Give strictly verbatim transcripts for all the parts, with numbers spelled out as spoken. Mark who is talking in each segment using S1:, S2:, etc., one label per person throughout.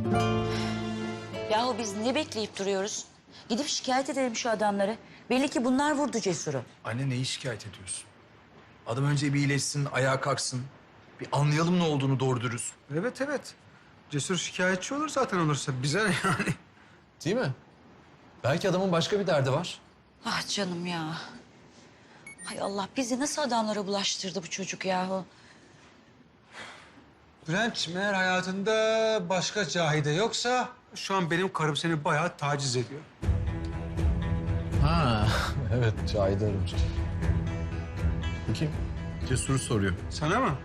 S1: Yahu biz ne bekleyip duruyoruz? Gidip şikayet edelim şu adamları. Belli ki bunlar vurdu Cesur'u.
S2: Anne neyi şikayet ediyorsun? Adam önce bir iyileşsin, ayağa kalksın. Bir anlayalım ne olduğunu doğru dürüst.
S3: Evet evet. Cesur şikayetçi olur zaten olursa. Bize ne yani?
S4: Değil mi? Belki adamın başka bir derdi var.
S1: Ah canım ya. Hay Allah, bizi nasıl adamlara bulaştırdı bu çocuk yahu?
S3: Bülent'ciğim eğer hayatında başka Cahide yoksa... Şu an benim karım seni bayağı taciz ediyor.
S4: Ha, evet Cahide aramış. Kim?
S2: Cesur'u soruyor.
S3: Sana mı?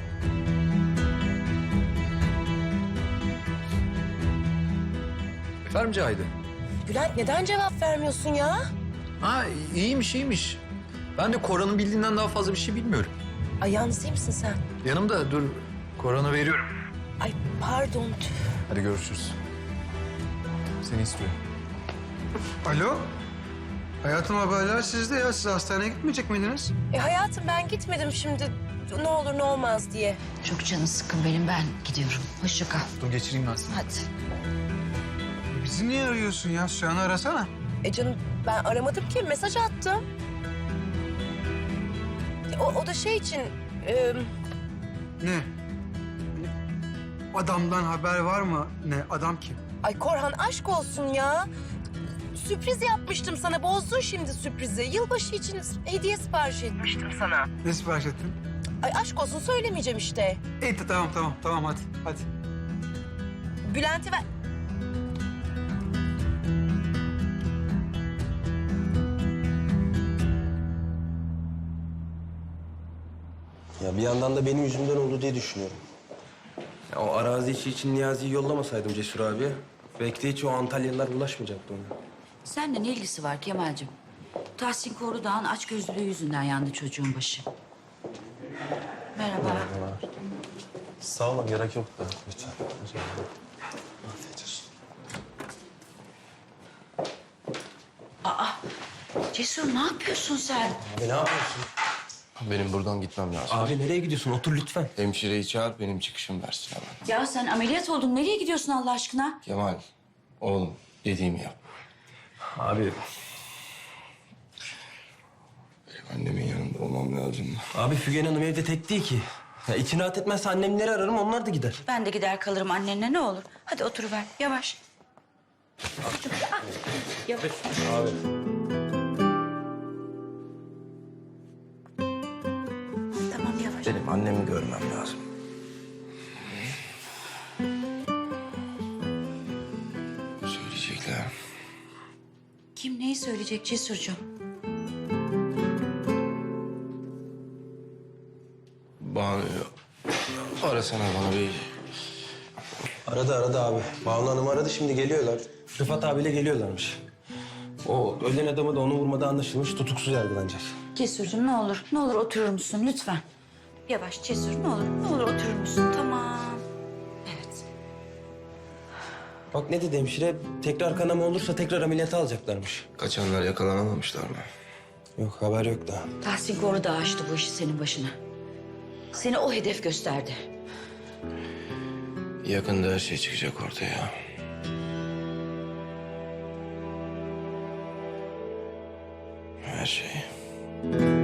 S2: Efendim Cahide?
S5: Bülent neden cevap vermiyorsun ya?
S2: Ha iyiymiş iyiymiş. Ben de Koran'ın bildiğinden daha fazla bir şey bilmiyorum.
S5: Ay yalnız değil misin sen?
S2: Yanımda dur. Koran'a veriyorum.
S5: Ay pardon.
S4: Hadi görüşürüz. Seni istiyor.
S3: Alo? Hayatım haberler sizde ya. Siz hastaneye gitmeyecek miydiniz?
S5: E hayatım ben gitmedim şimdi. Ne olur ne olmaz diye.
S1: Çok canı sıkkın benim, ben gidiyorum. Hoşça kal.
S2: Dur geçireyim ben seni.
S1: Hadi.
S3: E bizi niye arıyorsun ya? Sühan'ı arasana.
S5: E canım ben aramadım ki, mesaj attım. E, O, o da şey için... e,
S3: Ne? Adamdan haber var mı? Ne? Adam kim?
S5: ay Korhan aşk olsun ya. Sürpriz yapmıştım sana. Bozdun şimdi sürprizi. Yılbaşı için hediye sipariş etmiştim sana.
S3: Ne sipariş ettin?
S5: Ay aşk olsun söylemeyeceğim işte.
S3: İyi tamam tamam tamam hadi hadi.
S5: Bülent'i ver...
S6: Ya bir yandan da benim yüzümden oldu diye düşünüyorum. Ya o arazi işi için Niyazi'yi yollamasaydım Cesur abi, belki de hiç o Antalyalılar bulaşmayacaktı ona.
S1: Seninle ne ilgisi var Kemal'cim? Tahsin Korudağ'ın açgözlülüğü yüzünden yandı çocuğun başı. Merhaba.
S6: Sağ olun, gerek yok da lütfen.
S1: Cesur ne yapıyorsun sen?
S6: Abi ne yapıyorsun?
S7: Benim buradan gitmem lazım.
S6: Abi nereye gidiyorsun? Otur lütfen.
S7: Hemşireyi çağır, benim çıkışım versin hemen.
S1: Ya sen ameliyat oldun. Nereye gidiyorsun Allah aşkına?
S7: Kemal, oğlum dediğimi yap.
S6: Abi,
S7: Benim annemin yanında olmam lazım.
S6: abi Fügen Hanım evde tek değil ki. Ya içine rahat etmezse annemleri ararım, onlar da gider.
S1: Ben de gider kalırım annenle, ne olur. Hadi oturuver yavaş. Çocuğum, ah, yavaş.
S6: Abi.
S1: Tamam yavaş.
S6: Benim annemi görmem lazım.
S7: Söyleyecekler.
S1: Kim neyi söyleyecek Cesurcuğum?
S7: Banu, arasana bana bir.
S6: Aradı aradı abi. Banu Hanım aradı, şimdi geliyorlar. Rıfat abiyle geliyorlarmış. O ölen adamı da onu vurmada anlaşılmış, tutuksuz yargılanacak.
S1: Cesurcuğum ne olur, ne olur oturur musun lütfen? Yavaş Cesur, ne olur, ne olur oturur musun? Tamam. Evet.
S6: Bak ne dedi hemşire, tekrar kanama olursa tekrar ameliyata alacaklarmış.
S7: Kaçanlar yakalanamamışlar mı?
S6: Yok, haber yok daha.
S1: Tahsin Korudağ açtı bu işi senin başına. Seni o hedef gösterdi.
S7: Yakında her şey çıkacak ortaya. Her şey.